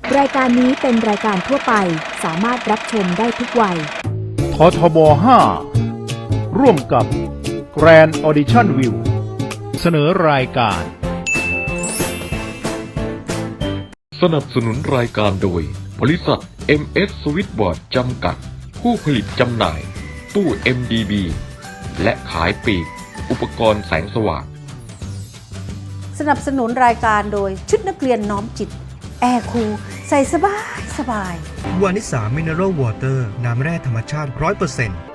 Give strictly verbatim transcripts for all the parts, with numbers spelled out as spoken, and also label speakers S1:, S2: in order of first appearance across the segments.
S1: รายการนี้เป็นรายการทั่วไปสามารถรับชมได้ทุกวัย
S2: ททบ ห้า ร่วมกับ Grand Audition View เสนอรายการ
S3: สนับสนุนรายการโดยบริษัท เอ็ม เอส Switchboard จำกัดผู้ผลิตจำหน่ายตู้ เอ็ม ดี บี และขายปลีกอุปกรณ์แสงสว่าง
S4: สนับสนุนรายการโดยชุดนักเรียนน้อมจิตแอร์คูลใส่สบายสบายว
S5: านิสามิเนอรัลวอเตอร์น้ำแร่ธรรมชาติ ร้อยเปอร์เซ็นต์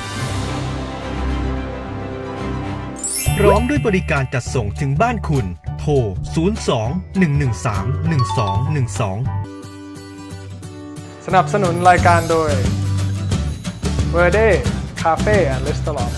S5: พร้อมด้วยบริการจัดส่งถึงบ้านคุณโทร ศูนย์ สอง หนึ่ง หนึ่ง สาม หนึ่ง สอง หนึ่ง สอง
S6: สนับสนุนรายการโดย Verde Cafe and Restaurant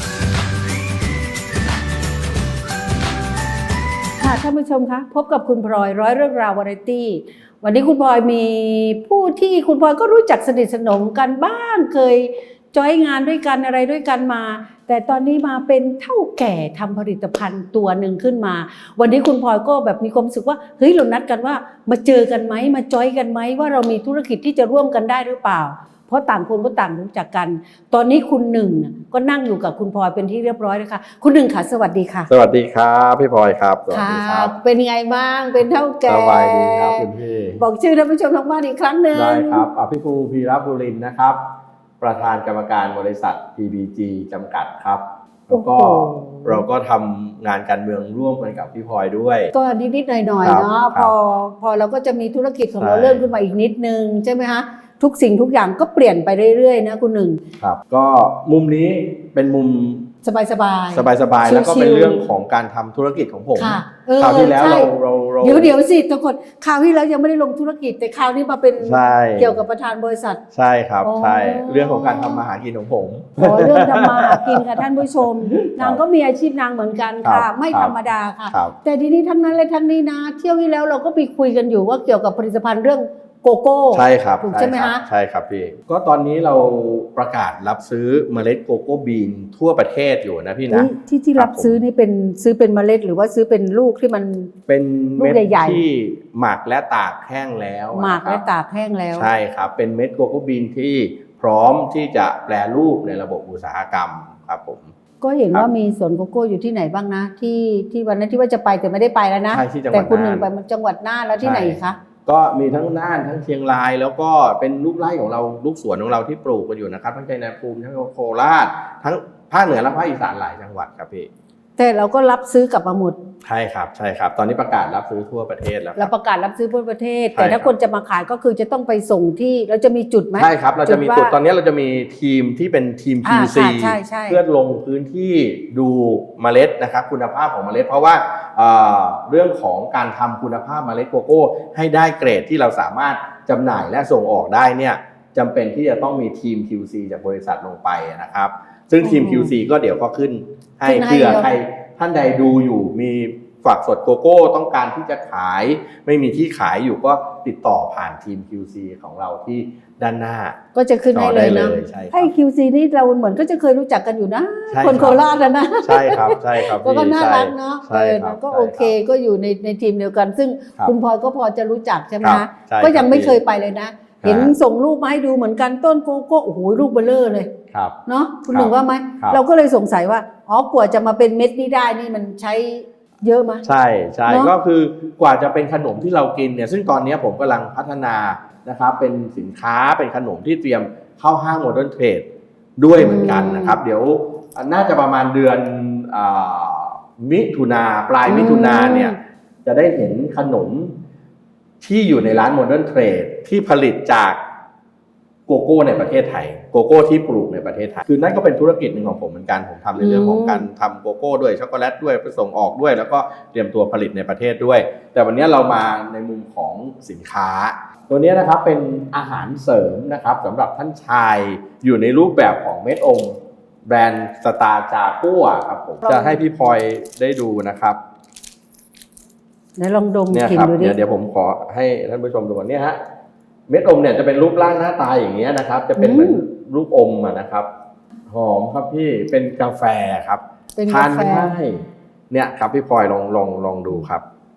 S4: ค่ะท่านผู้ชมคะพบกับคุณพลอยร้อยเรื่องราววาไรตี้วันนี้คุณพลอยมีผู้ที่คุณพลอยก็รู้จักสนิทสนมกันบ้างเคยจอยงานด้วยกันอะไรด้วยกันมาแต่ตอนนี้มาเป็นเท่าแก่ทำผลิตภัณฑ์ตัวหนึ่งขึ้นมาวันนี้คุณพลอยก็แบบมีความรู้สึกว่าเฮ้ยเรานัดกันว่ามาเจอกันไหมมาจอยกันไหมว่าเรามีธุรกิจที่จะร่วมกันได้หรือเปล่าเพราะต่างคนก็ต่างรู้จักกันตอนนี้คุณหนึ่งก็นั่งอยู่กับคุณพลอยเป็นที่เรียบร้อยแล้วค่ะคุณหนึ่งค่ะสวัสดีค่ะ
S7: สวัสดีครับพี่พลอยครับสวัสดีครับ
S4: เป็นไงบ้างเป็นเท่าแก่
S7: สบายดีครับคุณพี่
S4: บอกชื่อท่านผู้ชมทางบ้านอีกครั้งหนึ่ง
S7: ได้ครับอภิภูพีรบุรินทร์นะครับประธานกรรมการบริษัท พี บี จี จำกัดครับแล้วก็เราก็ทำงานการเมืองร่วมกันกับพี่พลอยด้วย
S4: ก็นิดๆหน่อยๆเนาะพอพอเราก็จะมีธุรกิจของเราเริ่มขึ้นมาอีกนิดนึงใช่ไหมคะทุกสิ่งทุกอย่างก็เปลี่ยนไปเรื่อยๆนะคุณหนึ่ง
S7: ครับก็มุมนี้เป็นมุม
S4: สบายๆสบาย
S7: สบายๆแล้วก็เป็นเรื่องของการทำธุรกิจของผมคราวที่แล้วเราเรา
S4: เดี๋ยวเดี๋ยวสิทุกคนคราวที่แล้วยังไม่ได้ลงธุรกิจแต่คราวนี้มาเป็นเกี่ยวกับประธานบริษัท
S7: ใช่ครับใช่เรื่องของการทำมาหากินของผม
S4: อ๋อเรื่องทำมาหากินค่ะท่านผู้ชมนางก็มีอาชีพนางเหมือนกันค่ะไม่ธรรมดาค่ะแต่ทีนี้ทั้งนั้นเลยทั้งนี้นะเที่ยวที่แล้วเราก็ไปคุยกันอยู่ว่าเกี่ยวกับผลิตภัณฑ์เรื่องโกโก้
S7: ใช่ครับ
S4: ถูกใช่ไหมฮะ
S7: ใช่ครับพี่ก็ตอนนี้เราประกาศรับซื้อเมล็ดโกโก้บีนทั่วประเทศอยู่นะพี่นะ
S4: ที่ที่รับซื้อนี่เป็นซื้อเป็นเมล็ดหรือว่าซื้อเป็นลูกที่มัน
S7: เป็นเม็ดที่หมักและตากแห้งแล้ว
S4: หมักและตากแห้งแล้ว
S7: ใช่ครับเป็นเม็ดโกโก้บีนที่พร้อมที่จะแปรรูปในระบบอุตสาหกรรมครับผม
S4: ก็เห็นว่ามีสวนโกโก้อยู่ที่ไหนบ้างนะที่ที่วันนั้นที่ว่าจะไปแต่ไม่ได้ไปแล้วนะแต่คุณหนึ่งไปจังหวัดน่านแล้วที่ไหนคะ
S7: ก็มีทั้งน่านทั้งเชียงรายแล้วก็เป็นลูกไร่ของเราลูกสวนของเราที่ปลูกกันอยู่นะครับทั้งชัยภูมิทั้งโคราชทั้งภาคเหนือและภาคอีสานหลายจังหวัดครับพี่
S4: แต่เราก็รับซื้อกลับมาหมด
S7: ใช่ครับใช่ครับตอนนี้ประกาศรับซื้อทั่วประเทศแล้ว
S4: เราประกาศรับซื้อทั่วประเทศแต่ถ้าคนจะมาขายก็คือจะต้องไปส่งที่เราจะมีจุดไหม
S7: ใช่ครับเราจะมีจุดตอนนี้เราจะมีทีมที่เป็นทีม คิว ซี เพื่อลงพื้นที่ดูเมล็ดนะครับคุณภาพของเมล็ดเพราะว่าเรื่องของการทำคุณภาพเมล็ดโกโก้ให้ได้เกรดที่เราสามารถจำหน่ายและส่งออกได้เนี่ยจำเป็นที่จะต้องมีทีม คิว ซี จากบริษัทลงไปนะครับซึ่งทีม คิว ซี ก็เดี๋ยวก็ขึ้นให้เพื่อใครท่านใดดูอยู่มีฝักสดโกโก้ต้องการที่จะขายไม่มีที่ขายอยู่ก็ติดต่อผ่านทีม คิว ซี ของเราที่ด้านหน้า
S4: ก็จะขึ้นให้เลยนะให้ คิว ซี นี่เราเหมือนก็จะเคยรู้จักกันอยู่นะคนโคราชนะ
S7: ใช่ครับใช่ครับ
S4: ก็น่ารักเนาะเออก็โอเคก็อยู่ในในทีมเดียวกันซึ่งคุณพลอยก็พอจะรู้จักใช่ไหมคะก็ยังไม่เคยไปเลยนะเห็นส่งรูปมาให้ดูเหมือนกันต้นโกโก้โอ้โหลูกเบลอเลยเนาะคุณหนึ่งว่าไหมเราก็เลยสงสัยว่าอ๋อกว่าจะมาเป็นเม็ดนี้ได้นี่มันใช้เยอะไหม
S7: ใช่ใช่ก็คือกว่าจะเป็นขนมที่เรากินเนี่ยซึ่งตอนนี้ผมกำลังพัฒนานะครับเป็นสินค้าเป็นขนมที่เตรียมเข้าห้างโมเดิร์นเทรดด้วยเหมือนกันนะครับเดี๋ยวน่าจะประมาณเดือนมิถุนาปลายมิถุนาเนี่ยจะได้เห็นขนมที่อยู่ในร้านโมเดิร์นเทรดที่ผลิตจากโกโก้ในประเทศไทยโกโก้ที่ปลูกในประเทศไทยคือนั่นก็เป็นธุรกิจหนึ่งของผมเหมือนกันผมทำในเรื่องของการทำโกโก้ด้วยช็อกโกแลตด้วยไปส่งออกด้วยแล้วก็เตรียมตัวผลิตในประเทศด้วยแต่วันนี้เรามาในมุมของสินค้าตัวนี้นะครับเป็นอาหารเสริมนะครับสำหรับท่านชายอยู่ในรูปแบบของเม็ดอมแบรนด์สตาร์จากัวครับผมจะให้พี่พลอยได้ดูนะครับ
S4: ไหนลองดม
S7: กลิ่นดูดิเดี๋ยวผมขอให้ท่านผู้ชมดูก่อนเนี่ยฮะเม็ดอมเนี่ยจะเป็นรูปร่างหน้าตาอย่างเงี้ยนะครับจะเป็นเหมือนรูปอมนะครับหอมครับพี่เป็นกาแฟครับทานง่ายเนี่ยครับพี่พลอยลองลองลองดูครับ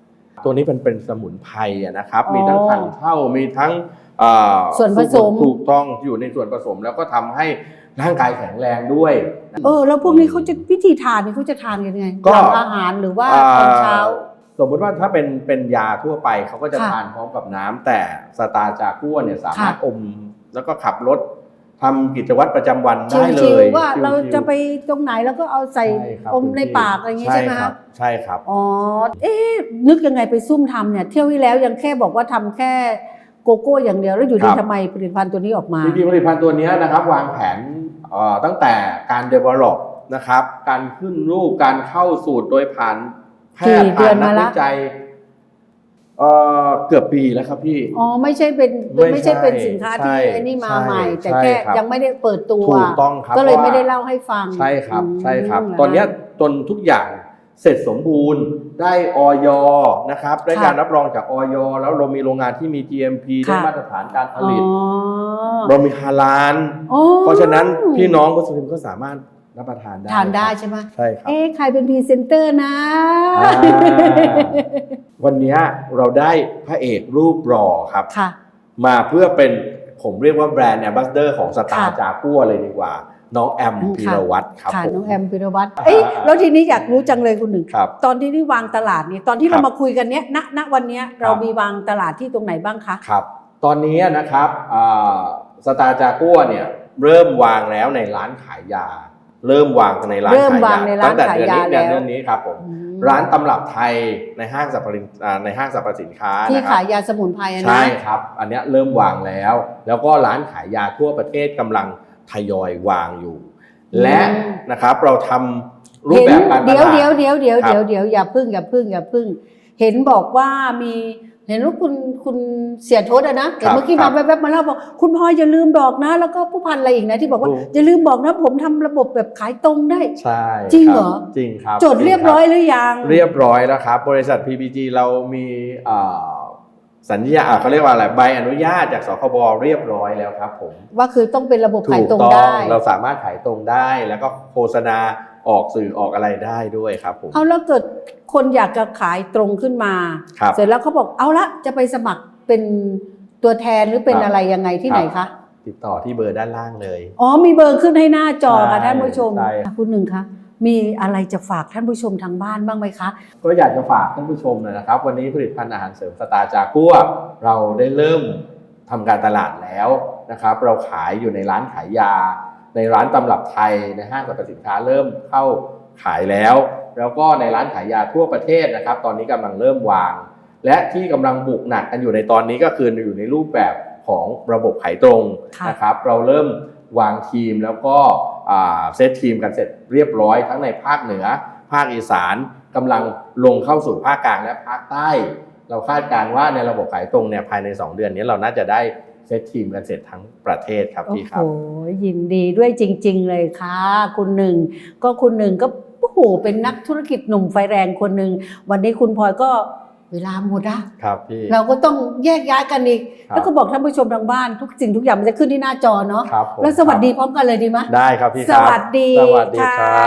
S7: ตัวนี้เป็นเป็นสมุนไพรอะนะครับ
S4: อ๋อ
S7: มีทั้งถังเช่ามีทั้งเอ่อ
S4: ส่วนผสม
S7: ถูกต้องอยู่ในส่วนผสมแล้วก็ทำให้ร่างกายแข็งแรงด้วย
S4: เออแล้วพวกนี้เขาจะวิธีทานนี่เขาจะทานกันยังไง
S7: ก็
S4: หลังอาหารหรือว่าตอนเช้า
S7: สมมติว่าถ้าเป็นเป็นยาทั่วไปเขาก็จะ
S4: ค่ะ
S7: ทานพร้อมกับน้ำแต่สตาร์จากัวเนี่ยสามารถ
S4: ค่ะ
S7: อมแล้วก็ขับรถทำกิจวัตรประจำวันได้เล
S4: ชิวย ๆว่า
S7: ชิวๆ
S4: เราจะไปตรงไหนแล้วก็เอาใส่
S7: ใช่ครับ
S4: อมในปากอะไรอย่างงี้ใช่ไหม
S7: ค
S4: คะ
S7: รับใช่ครับ
S4: อ๋อ เอ๊ะนึกยังไงไปซุ่มทำเนี่ยเที่ยวที่แล้วยังแค่บอกว่าทำแค่โกโก้อย่างเดียวแล้วอยู่ดี
S7: ครับ
S4: ทำไมผลิตภัณฑ์ตัวนี้ออกมา
S7: จริงๆผลิตภัณฑ์ตัวนี้นะครับวางแผนเอ่อตั้งแต่การ develop นะครับการขึ้นรูปการเข้าสูตรโดยผ่านแพท
S4: กี่
S7: ย์
S4: เดือ
S7: ผ่าน นนั
S4: มาก ละ
S7: วิจัยเอ่อเกือบปีแล้วครับพี่
S4: อ๋อไม่ใช่เป็น
S7: ไม่
S4: ไม่ใช่เป็นสินค้า
S7: ใช่
S4: ที่ไอ้นี่มา
S7: ใช่
S4: ใหม่ แต่
S7: ใช่
S4: แค่
S7: ครับ
S4: ยังไม่ได้เปิดตัว
S7: ถูกต้องครับ
S4: ก็เลย
S7: เพราะว่า
S4: ไม่ได้เล่าให้ฟัง
S7: ใช่ครับ
S4: อืม
S7: ใช่ครับ
S4: เหร
S7: ตอนเนี้ยจนทุกอย่างเสร็จสมบูรณ์ได้ออยนะครับได้
S4: ค่ะ
S7: การรับรองจากออยแล้วเรามีโรงงานที่มี จี เอ็ม พี ได้
S4: ค่ะ
S7: มาตรฐานการผ
S4: อ๋อ
S7: ลิต เรามีฮาลาล
S4: อ๋อ
S7: เพราะฉะนั้นพี่น้องมุสลิมก็สามารถรับประทานได้
S4: ทานได้
S7: ครับ
S4: ใช่ไหม
S7: ใช่ครับ
S4: เอ๊ะใครเป็นพรีเซนเตอร์นะ
S7: อ่าวันเนี้ยเราได้พระเอกรูปรอครับ
S4: ค่ะ
S7: มาเพื่อเป็นผมเรียกว่าแบรนด์แอมบาสเดอร์ของสตาร์
S4: ค่ะ
S7: จากัวเลยดีกว่า น้องแอม
S4: อืม
S7: พีรวัตรครับ
S4: ค่ะ
S7: ผม
S4: น้องแอมพิรวัตรเอ้ย
S7: อ่า
S4: แล้วทีนี้อยากรู้จังเลยคุณหนึ่ง
S7: ครับ
S4: ตอนที่นี่วางตลาดนี่ตอนที่
S7: ครั
S4: เรา
S7: บ
S4: มาคุยกันเนี้ยณณวันเนี้ยเรา
S7: ครับ
S4: มีวางตลาดที่ตรงไหนบ้างคะ
S7: ครับ ตอนนี้นะครับสตาร์จากัวเนี่ยเริ่มวางแล้วในร้านขายยา เริ่มวางในร้าน
S4: เริ่ม
S7: ขายว
S4: าง
S7: ยา
S4: ในร้าน
S7: ตั้งแต่
S4: ขาย
S7: เดือน
S4: ยา
S7: นี้
S4: แล้ว
S7: เดือนนี้ครับผม
S4: อืม
S7: ร้านตำรับไทยในห้างสรรพสินอ่าในห้างสรรพสินค้า
S4: ที่
S7: นะครั
S4: ขา
S7: บ
S4: ยยาสมุนไพรอะนะ
S7: ใช่ครับ อันเนี้ยเริ่มวางแล้ว แล้วก็ร้านขายยาทั่วประเทศกำลังทยอยวางอยู่ และนะครับเราทำรูป
S4: เห็น
S7: แบบการต
S4: เดี๋ยว
S7: ลาด
S4: เดี๋ยวเดี๋ยวเดี๋ยว
S7: ครับ
S4: เดี๋ยวเดี๋ยวอย่าพึ่งอย่าพึ่งอย่าพึ่ง เห็นบอกว่ามีเห็นว่าคุณคุณเสียทศอะนะแต่เมื่อกี้
S7: ครั
S4: มา
S7: บ
S4: แวบๆมาเล่าบอกคุณพลอยอย่าลืมบอกนะ แล้วก็ผู้พันอะไรอีกนะที่บอกว่า
S7: ถูก
S4: อย่าลืมบอกนะผมทำระบบแบบขายตรงได้
S7: ใช่
S4: จริงเหรอ
S7: คบจริงครับ
S4: จดเรียบร้อยหรือยัง
S7: เรียบร้อยแล้วครับ บริษัท พี พี จี เรามีเอ่อสัญญาอ่ะเขาเรียกว่าอะไรใบอนุญาตจากสคบเรียบร้อยแล้วครับผม
S4: ว่าคือต้องเป็นระบบ
S7: ถู
S4: ขาย
S7: ก
S4: ตรง
S7: ต้อง
S4: ได้
S7: เราสามารถขายตรงได้ แล้วก็โฆษณาออกสื่อออกอะไรได้ด้วยครับผม
S4: เอาแล้วเกิดคนอยากจะขายตรงขึ้นมา
S7: ครับ
S4: เสร็จแล้วเขาบอกเอาละจะไปสมัครเป็นตัวแทนหรือเป็น
S7: ครับ
S4: อะไรยังไงที่ไหนคะ
S7: ติดต่อที่เบอร์ด้านล่างเลย
S4: อ๋อมีเบอร์ขึ้นให้หน้าจอค่ะ
S7: ใช่
S4: ท่านผู้ชม
S7: ใช่
S4: คุณหนึ่งคะมีอะไรจะฝากท่านผู้ชมทางบ้านบ้างไหมคะ
S7: ก็อยากจะฝากท่านผู้ชมนะครับ วันนี้ผลิตภัณฑ์อาหารเสริมสตาร์จากัวเราได้เริ่มทำการตลาดแล้วนะครับ เราขายอยู่ในร้านขายยา ในร้านตำรับไทยในห้างสรรพสินค้าเริ่มเข้าขายแล้ว แล้วก็ในร้านขายยาทั่วประเทศนะครับ ตอนนี้กำลังเริ่มวาง และที่กำลังบุกหนักกันอยู่ในตอนนี้ก็คืออยู่ในรูปแบบของระบบขายตรง
S4: ค่ะ
S7: นะครับ เราเริ่มวางทีมแล้วก็อ่าเซตทีมกันเสร็จเรียบร้อยทั้งในภาคเหนือ ภาคอีสานกำลังลงเข้าสู่ภาคกลางและภาคใต้ เราคาดการณ์ว่าในระบบขายตรงเนี่ยภายในสองเดือนนี้เราน่าจะได้เซตทีมกันเสร็จทั้งประเทศครับ
S4: โอ้
S7: พี่ค
S4: โห
S7: รับ
S4: ยินดีด้วยจริง ๆ เลยค่ะ คุณหนึ่งก็คุณหนึ่งก็โอ้โหเป็นนักธุรกิจหนุ่มไฟแรงคนหนึ่งวันนี้คุณพลอยก็เวลาหมดอะ
S7: ครับพี่
S4: เราก็ต้องแยกย้ายกันอีก
S7: ครับ
S4: แล้วก็บอกท่านผู้ชมทางบ้านทุกสิ่งทุกอย่างมันจะขึ้นที่หน้าจอเนาะ
S7: ครับผม
S4: แล้วสวัสดีพร้อมกันเลยดีไหม
S7: ได้ครับพี่ค
S4: ส
S7: รับ
S4: วัสดี
S7: สวัสดีครับ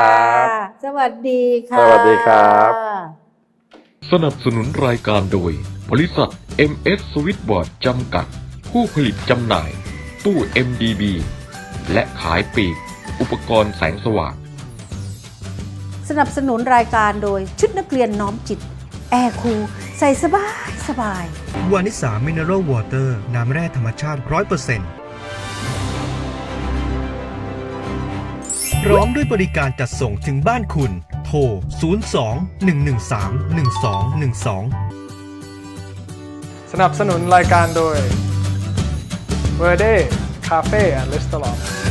S4: สวัสดีค่ะ
S7: สวัสดีครับ
S3: สนับสนุนรายการโดย บริษัท เอ็ม เอส Switchboard จำกัด ผู้ผลิตจำหน่าย ตู้ เอ็ม ดี บี และขายปลีก อุปกรณ์แสงสว่าง
S4: สนับสนุนรายการโดยชุดนักเรียนน้อมจิต แอร์คูลใส่สบายสบาย
S5: วานิสามิเนอรัลวอเตอร์น้ำแร่ธรรมชาติ ร้อยเปอร์เซ็นต์ พร้อมด้วยบริการจัดส่งถึงบ้านคุณ โทร ศูนย์ สอง หนึ่ง หนึ่ง สาม หนึ่ง สอง หนึ่ง สอง
S6: สนับสนุนรายการโดย Verde Cafe and Restaurant